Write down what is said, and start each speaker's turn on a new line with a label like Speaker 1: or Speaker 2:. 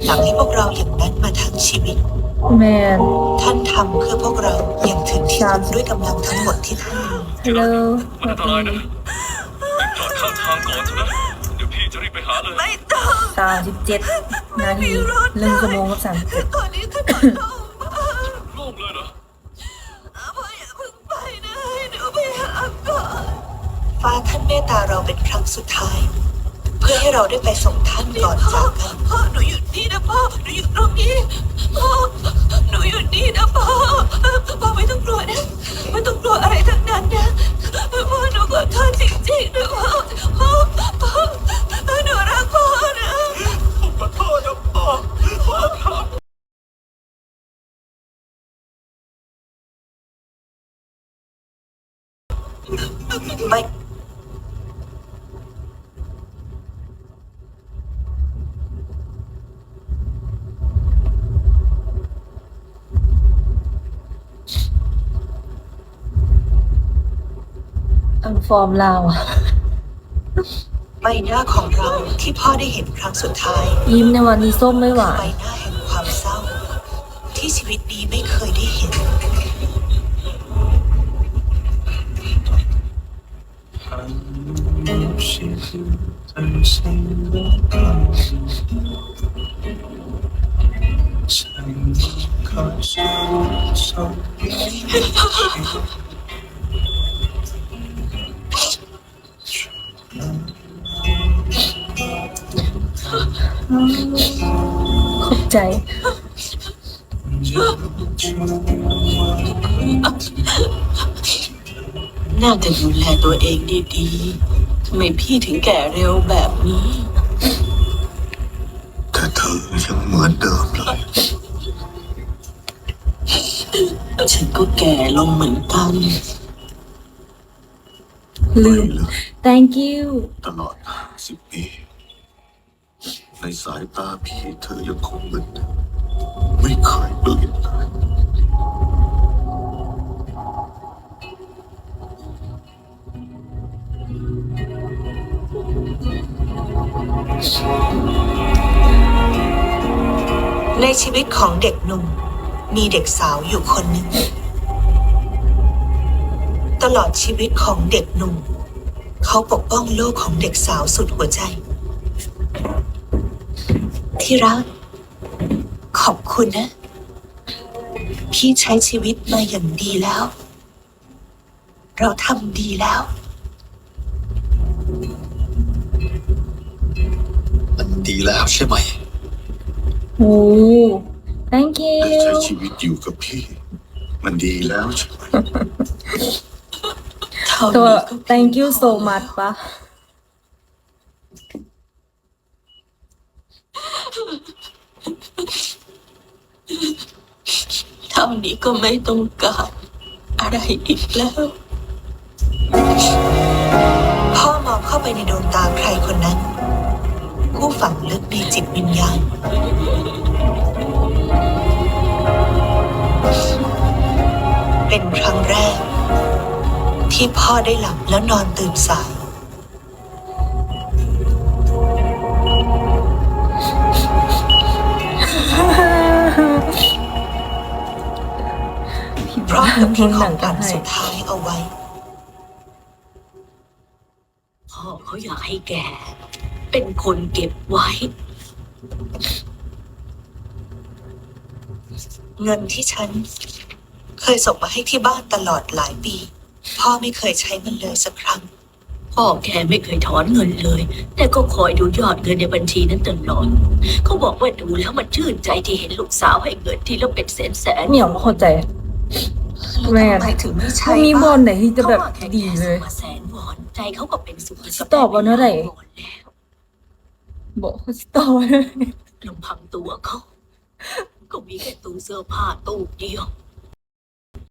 Speaker 1: หลังให้พวกเราอย่างนั้นมาทั้งชีวิต
Speaker 2: แมน
Speaker 1: ท่านทำเพื่อพวกเราอย่างถึงที่สุดด้วยกำลังทั้งหมดที่ท่านมี
Speaker 2: ฮัลโหล
Speaker 3: มันอันตรายนะรีบจอดข้างทางก่อนเถอะนะเดี๋ยวพี่จะรีบไปหาเลย
Speaker 4: ไม่ต้อง
Speaker 2: 37 นาที1 ชั่วโมงกับ37
Speaker 4: ตอนนี้ฉันขอโทษ
Speaker 3: โล่งเลยเหรอ
Speaker 4: พ่ออย่าเพิ่งไปนะให้หนูไปหาก่อน
Speaker 1: ฟ้าท่านเมตตาเราเป็นครั้งสุดท้าย เพื่อให้เราได้ไปส่งท่านก่อนจากกัน
Speaker 4: พ่อหนูอยู่นี่นะพ่อหนูอยู่ตรงนี้พ่อหนูอยู่นี่นะพ่อไม่ต้องกลัวนะไม่ต้องกลัวอะไรทั้งนั้นนะพ่อหนูขอโทษจริงๆนะพ่อหนูรักพ่อนะ
Speaker 3: ขอโทษนะพ่อครับ
Speaker 1: ไม่
Speaker 2: ฟอร์มลาวอะ
Speaker 1: ใบหน้าของเราที่พ่อได้เห็นครั้งสุดท้าย
Speaker 2: ยิ้มในวันนี้ส้มไม่หวา
Speaker 1: ใบ
Speaker 2: น
Speaker 1: หน้าแห่งความเศร้า ที่ชีวิตนี้ไม่เคยได้เห็น
Speaker 2: ขอบใจ
Speaker 4: น่าจะดูแลตัวเองดีๆทำไมพี่ถึงแก่เร็วแบบนี้
Speaker 5: แต่เธอยังเหมือนเดิมเลย
Speaker 4: ฉันก็แก่ลงเหมือนกัน
Speaker 2: ลืม thank you
Speaker 5: ตลอด50 ปีในสายตาพี่เธอยังคงเหมือนเดิมไม่เคยเปลี่ยนเลย
Speaker 1: ในชีวิตของเด็กหนุ่มมีเด็กสาวอยู่คนหนึ่งตลอดชีวิตของเด็กหนุ่มเขาปกป้องโลกของเด็กสาวสุดหัวใจ ที่รักขอบคุณนะพี่ใช้ชีวิตมาอย่างดีแล้ว เราทำดีแล้ว
Speaker 5: มันดีแล้วใช่ไหม
Speaker 2: โอ้ thank
Speaker 5: ได้ใช้
Speaker 2: you
Speaker 5: ชีวิตอยู่กับพี่มันดีแล้วใช่ไหม
Speaker 2: ตัว thank you so much ปะ
Speaker 4: เท่านี้ก็ไม่ต้องการอะไรอีกแล้ว
Speaker 1: พ่อมองเข้าไปในดวงตาใครคนนั้น ผู้ฝังลึกในจิตวิญญาณเป็นครั้งแรก ที่พ่อได้หลับแล้วนอนตื่นสายพร้อมกับทิ้งของขวัญสุดท้ายเอาไว้
Speaker 4: พ่อเขาอยากให้แกเป็นคนเก็บไว้
Speaker 1: เงินที่ฉันเคยส่งมาให้ที่บ้านตลอดหลายปี พ่อไม่เคยใช้มันเลยสักครั้ง
Speaker 4: พ่อแกไม่เคยถอนเงินเลย แต่ก็คอยดูยอดเงินในบัญชีนั้นตลอดเขาบอกว่าดูแล้วมันชื่นใจที่เห็นลูกสาวให้เงินที่แล้วเป็นแสน
Speaker 2: เหมียวไม่เข้าใจแม่
Speaker 1: ทำไมถึงไม่ใช่
Speaker 2: มีบอลไหนที่จะแบบ
Speaker 4: เขาว่าแค่
Speaker 2: ดีเลย
Speaker 4: มาแสนวอนใจเขาก็เป็นสุข
Speaker 2: ตอบว่าเท่าไหร่
Speaker 4: แล้ว
Speaker 2: บอกเขาจะต่อเลย
Speaker 4: ลำพังตัวเขาก็มีแค่ตู้เสื้อผ้าตู้เดียว